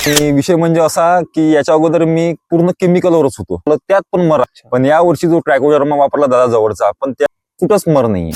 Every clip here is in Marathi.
आणि विषय म्हणजे असा की याच्या अगोदर मी पूर्ण केमिकलवरच होतो, त्यात पण मर. पण या वर्षी जो ट्रायकोडर्मा वापरला दादा जवळचा, पण त्या कुठंच मर नाहीये.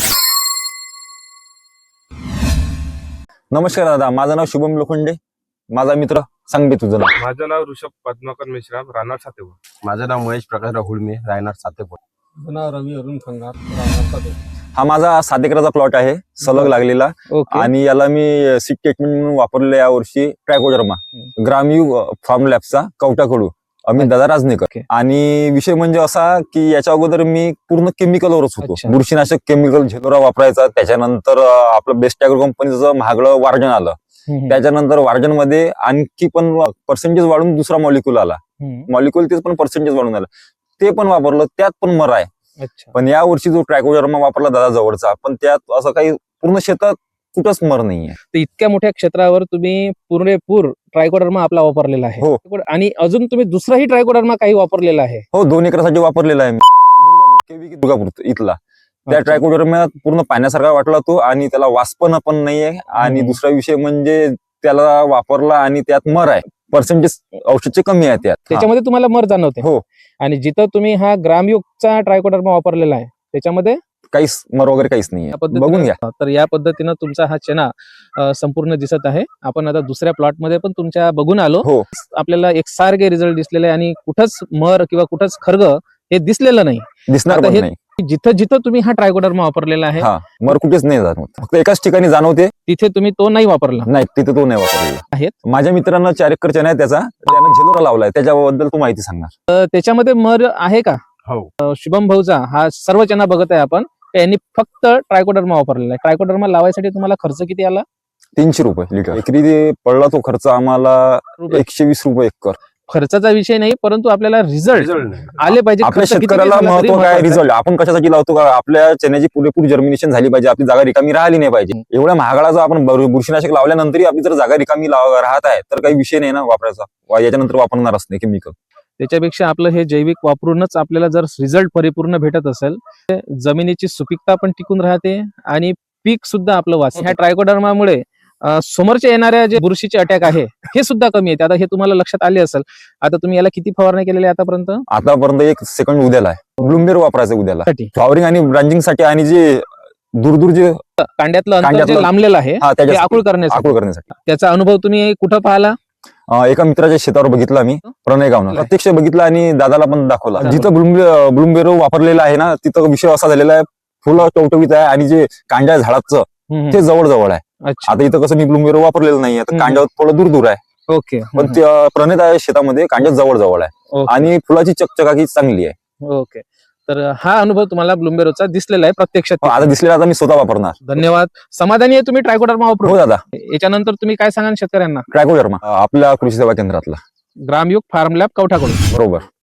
नमस्कार दादा, माझं नाव शुभम लोखंडे. माझा मित्र सांग बे तुझं नाव. माझं नाव ऋषभ पद्माकर मेश्राम, राहणार सातेपूर. माझं नाव महेश प्रकाश हुळमे, राहणार सातेपूर. माझं नाव रवी अरुण खंगार, राहणार सातेपूर. हा माझा 7 एकराचा प्लॉट आहे, सलग लागलेला. आणि याला मी सीड ट्रीटमेंट म्हणून वापरले या वर्षी ट्रायकोडर्मा ग्रामयू फार्म लॅबचा कवटाकडू अमित दादा राजनेकर. आणि विषय म्हणजे असा की याच्या अगोदर मी पूर्ण केमिकलवरच होतो. बुरशीनाशक केमिकल झेलोरा वापरायचा. त्याच्यानंतर आपलं बेस्ट ॲग्रो कंपनीचं महागडं वार्जन आलं. त्याच्यानंतर वार्जन मध्ये आणखी पण पर्सेंटेज वाढून दुसरा मॉलिक्यूल आला. मॉलिक्यूल तेच पण पर्सेंटेज वाढून आलं, ते पण वापरलं, त्यात पण मर आहे. पण या वर्षी जो ट्रायकोडर्मा वापरला दादा जवळचा, पण त्यात असं काही पूर्ण शेतात कुठंच मर नाहीये. तर इतक्या मोठ्या क्षेत्रावर तुम्ही पुरेपूर ट्रायकोडर्मा आपला वापरलेला आहे. हो. आणि अजून तुम्ही दुसराही ट्रायकोडर्मा काही वापरलेला आहे. हो, 2 एकरासाठी वापरलेला आहे मी. दुर्गापूर इथला त्या ट्रायकोडर्मा पूर्ण पाण्यासारखा वाटला तो, आणि त्याला वासपण पण नाहीये. आणि दुसरा विषय म्हणजे त्याला वापरला आणि त्यात मर आहे, पर्सेंटेज औषधचे कमी आहे त्यात. त्याच्यामध्ये तुम्हाला मर जाणवते. हो. आणि जिथं तुम्ही हा ग्रामयुगचा ट्रायकोडर्मा वापरलेला आहे त्याच्यामध्ये काहीच मर वगैरे काहीच नाहीये. बघून घ्या. तर या पद्धतीनं तुमचा हा चना संपूर्ण दिसत आहे. आपण आता दुसऱ्या प्लॉट मध्ये पण तुमच्या बघून आलो. हो. आपल्याला एकसारखे रिझल्ट दिसलेले आहे आणि कुठंच मर किंवा कुठंच खर्ग हे दिसलेलं नाही. दिसणार पण नाही. जिथं जिथं तुम्ही हा ट्रायकोडर्मा वापरलेला आहे, मर कुठेच नाही जाणवत, फक्त एकाच ठिकाणी जाणवते. तिथे तुम्ही तो नाही वापरला. नाही, तिथे तो नाही वापरलेला आहेत. माझ्या मित्रांना 4 एकर चना आहे, त्यानं झेलोरा लावलाय. त्याच्याबद्दल तू माहिती सांगणार. तर त्याच्यामध्ये मर आहे का? हो. शुभम भाऊचा हा सर्व चना बघत आहे आपण. यांनी फक्त ट्रायकोडर्मा वापरलेला आहे. ट्रायकोडर्मा लावायसाठी तुम्हाला खर्च किती आला? 300 रुपये लिटर. एकरी पडला तो खर्च आम्हाला 120 रुपये एकर. खर्चाचा विषय नाही, परंतु आपल्याला रिझल्ट आले पाहिजे. आपल्या शेतकऱ्याला महत्व काय? रिझल्ट. आपण कशासाठी लावतो का? आपल्या चण्याची पुरेपूर जर्मिनेशन झाली पाहिजे, आपली जागा रिकामी राहिली नाही पाहिजे. एवढ्या महागडाचा आपण बुरशीनाशक लावल्यानंतरही आपली जर जागा रिकामी राहत आहे तर काही विषय नाही ना वापरायचा. याच्यानंतर वापरणारच नाही केमिकल. त्याच्यापेक्षा आपलं हे जैविक वापरूनच आपल्याला जर रिझल्ट परिपूर्ण भेटत असेल, जमिनीची सुपीकता पण टिकून राहते आणि पीक सुद्धा आपलं वाचते. ह्या ट्रायकोडर्मामुळे समोरच्या येणाऱ्या जे बुरशीचे अटॅक आहे हे सुद्धा कमी येते. आता हे तुम्हाला लक्षात आले असेल. आता तुम्ही याला किती फवारणी केलेली आहे आतापर्यंत? 1 सेकंड उद्याला आहे. ब्लूमबेर वापरायचं उद्याला फ्लॉवरिंग आणि ब्रांचिंग साठी, आणि जे दूर जे कांड्यातलं अंतर जे लांबलेलं आहे ते आकुळ करण्यासाठी. त्याचा अनुभव तुम्ही कुठं पाहिला? एका मित्राच्या शेतावर बघितला मी, प्रणय गावनं. प्रत्यक्ष बघितला आणि दादाला पण दाखवला. जिथं ब्लूमबेर वापरलेला आहे ना, तिथं विषय असा झालेला आहे, फुलं टवटवीत आहे आणि जे कांड्या झाडाचं ते जवळ आहे. आता इथं कसं मी ब्लूमबेर वापरलेलं नाही, तर कांड्यावर थोडं दूर आहे. ओके. पण प्रणित आहे शेतामध्ये कांड्या जवळ आहे आणि फुलाची चकचकाकी चांगली आहे. ओके. तर हा अनुभव तुम्हाला ब्लूमबेरोचा दिसलेला आहे प्रत्यक्षात. आता दिसलेला, आता मी स्वतः वापरणार. धन्यवाद. समाधानी आहे तुम्ही ट्रायकोडर्मा वापरून? हो दादा. याच्यानंतर तुम्ही काय सांगाल शेतकऱ्यांना? ट्रायकोडर्मा आपल्या कृषी सेवा केंद्रातला ग्रामयुग फार्म लॅब कवठाकडून. बरोबर.